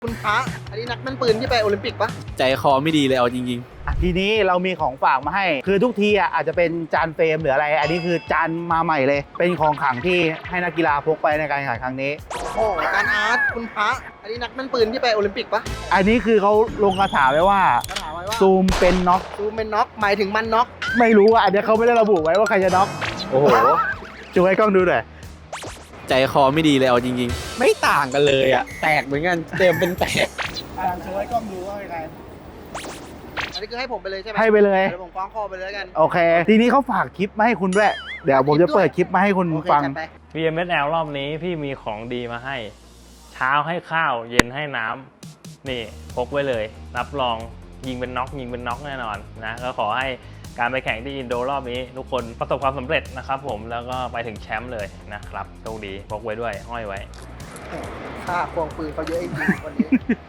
คุณพระอันนี้นักแม่นปืนที่ไปโอลิมปิกปะใจคอไม่ดีเลยเอาจริงทีนี้เรามีของฝากมาให้ คือทุกทีอาจจะเป็นจานเฟรมหรืออะไร อันนี้คือจานมาใหม่เลย เป็นของขลังที่ให้นักกีฬาพกไปในการแข่งขันครั้งนี้โอ้การอาร์ตคุณพระอันนี้นักแม่นปืนที่ไปโอลิมปิกปะอันนี้คือเขาลงคาถาไว้ว่าเขาถามไว้ว่าซูมเป็นน็อกซูมเป็นน็อกหมายถึงมันน็อกไม่รู้อ่ะอันนี้เขาไม่ได้ระบุไว้ว่าใครจะน็อกโอ้โหช่วยกล้องดูหน่อยๆ ใจคอไม่ดีเลยเอาจริงๆ ไม่ต่างกันเลยอะแตกเหมือนกันเต็มเป็นแตกช่วยกล้องดูว่าใครอันนี้คือให้ผมไปเลยใช่ไหมให้ไปเลยเดี๋ยวผมฟ้องคอไปเลยแล้วกันโอเค ทีนี้เขาฝากคลิปมาให้คุณด้วย เดี๋ยวผมจะเปิดคลิปมาให้คุณโอเคฟังจัดไป VMSL รอบนี้พี่มีของดีมาให้ เช้าให้ข้าวเย็นให้น้ำนี่พกไว้เลย รับรองยิงเป็นน็อกแน่นอนนะก็ขอให้การไปแข่งที่อินโดรอบนี้ ทุกคนประสบความสำเร็จนะครับผมแล้วก็ไปถึงแชมป์เลยนะครับโชคดีพกไว้ด้วยห้อยไว้ค่าควงปืนเขาเยอะจริงๆวันนี้